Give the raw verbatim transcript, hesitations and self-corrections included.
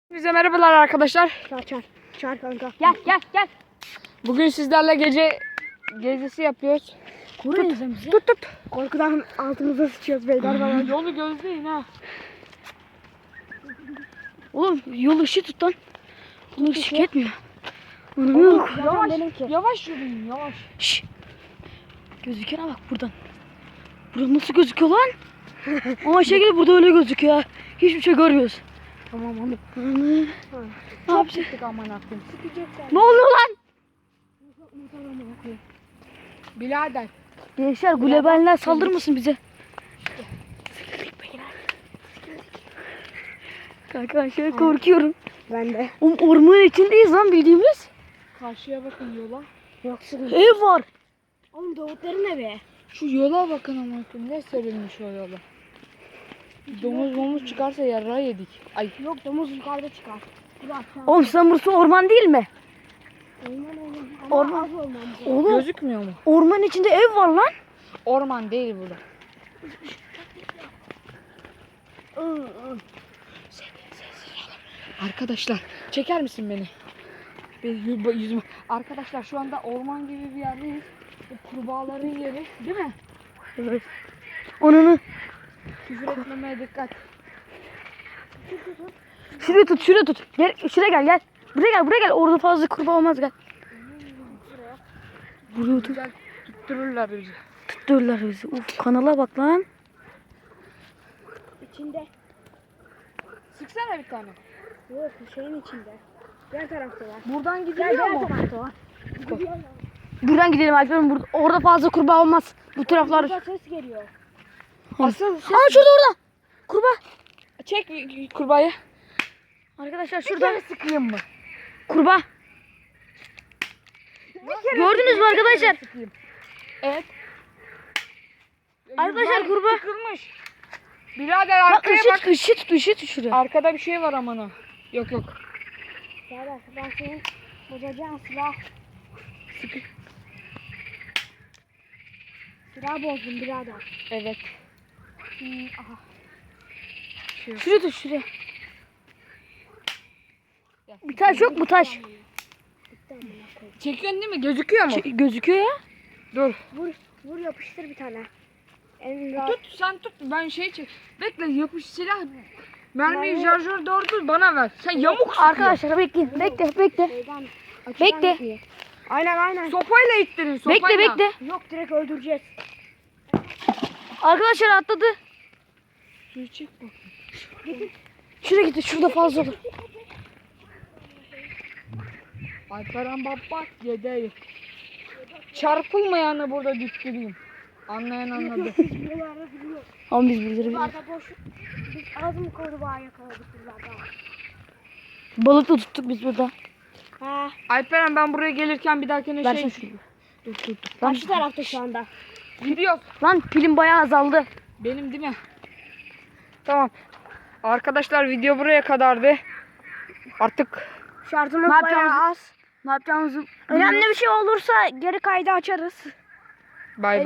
Bize merhabalar arkadaşlar. Çağır çağır. Çağır kanka. Gel gel gel. Bugün sizlerle gece gezisi yapıyoruz. Tut, Tut tut tut. Korkudan altımıza sıçıyoruz beyler falan. Yolu gözleyin ha. Oğlum yol ışığı tut lan. Bunu ışık etmiyor. Oğlum, Yok. yavaş, benimki. yavaş yürüyün yavaş. Şşş. Gözükene bak buradan. Burada nasıl gözüküyor lan? Ama şekilde burada öyle gözüküyor ha. Hiçbir şey görmüyoruz. Tamam oğlum. Ne yapacağız? Sıktık aman akım. Ne oluyor lan? Birader. Gençler gulebenler saldırmasın bize. Kanka ben şöyle korkuyorum. Ben de. Oğlum ormanın içindeyiz lan bildiğimiz. Karşıya bakın yola. Yok sıkıntı. Ev var. Oğlum Davutların evi. Şu yola bakın aman akım. Ne serilmiş o yola. Domuz momuz çıkarsa yarrağı yedik. Ay. Yok domuz yukarıda çıkar. Bırak. Oğlum sen burası orman değil mi? Orman oğlum. Ama Orman. az orman. Oğlum Gözükmüyor mu? ormanın içinde ev var lan. Orman değil burada. Arkadaşlar çeker misin beni? Bir yü- yüzümü. Arkadaşlar şu anda orman gibi bir yerdeyiz. Bu kurbağaların yeri değil mi? Evet. Onunu Küfür etmemeye dikkat. şuraya tut, şuraya tut. Gel, şuraya gel, gel. Buraya gel, buraya gel. Orada fazla kurbağa olmaz gel. Buraya tut. Güzel tuttururlar bizi. Tuttururlar bizi. Uf kanala bak lan. İçinde. Sıksana bir tane. Yok şeyin içinde. Diğer tarafta var. Buradan Gel gidiliyor diğer mu? tarafta var. Buradan gidelim Alper'im. Burada, orada fazla kurbağa olmaz. Bu taraflar. Burada ses geliyor. Asıl Aa şurada orada. Kurbağa. çek kurbağayı. Arkadaşlar Şurada şurada sıkayım mı? kurbağa. Gördünüz mü arkadaşlar? Sıkayım. Evet. Arkadaşlar Güzel kurbağa. sıkılmış. Birader Bak arkaya bak. ışık, ışık tut, ışık tut şuraya. Arkada bir şey var aman. Yok yok. Gel bak ben senin bozacağın silah. Sıkı. Silah bozdum birader. Evet. Hmm, aha. Şuraya tut, şuraya. Bir taş yok mu taş? Çekiyorsun değil mi? Gözüküyor mu? Ç- gözüküyor ya. Dur. Vur. Vur yapıştır bir tane. En rahat. Tut sen tut. Ben şey çek. Bekle yapış silah. Mermiyi Mermi- şarjör doğru bana ver. Sen yamuk sıkıyorsun. Arkadaşlar bekleyin. Bekle, bekle. Şeyden, açıdan Bekle. gitmiyor. Aynen aynen. Sopayla ittirin sopayla. Bekle, bekle. Yok direkt öldüreceğiz. Arkadaşlar atladı. Suyu çek bak. Şuraya gitti. Şurada fazla olur. Alperen baba yedeyi. Çarpılmayanı burada düşüreyim. Anlayan anladı. Buralarda duruyor. Ama biz biliriz. Buralarda boş. Biz az mı kurbağa yakaladık buralarda? Balık da tuttuk biz burada. Ha. Alperen ben buraya gelirken bir dahakine Versene şey... şunu. Dur dur dur. Lan, Karşı tarafta şu anda. Gidiyor. lan pilim bayağı azaldı. Benim değil mi? Tamam. Arkadaşlar video buraya kadardı. Artık Şarjımız Ne bayağı yapacağımızı- az. Ne yapacağımızı Önemli bir şey olursa geri kaydı açarız. bay bay.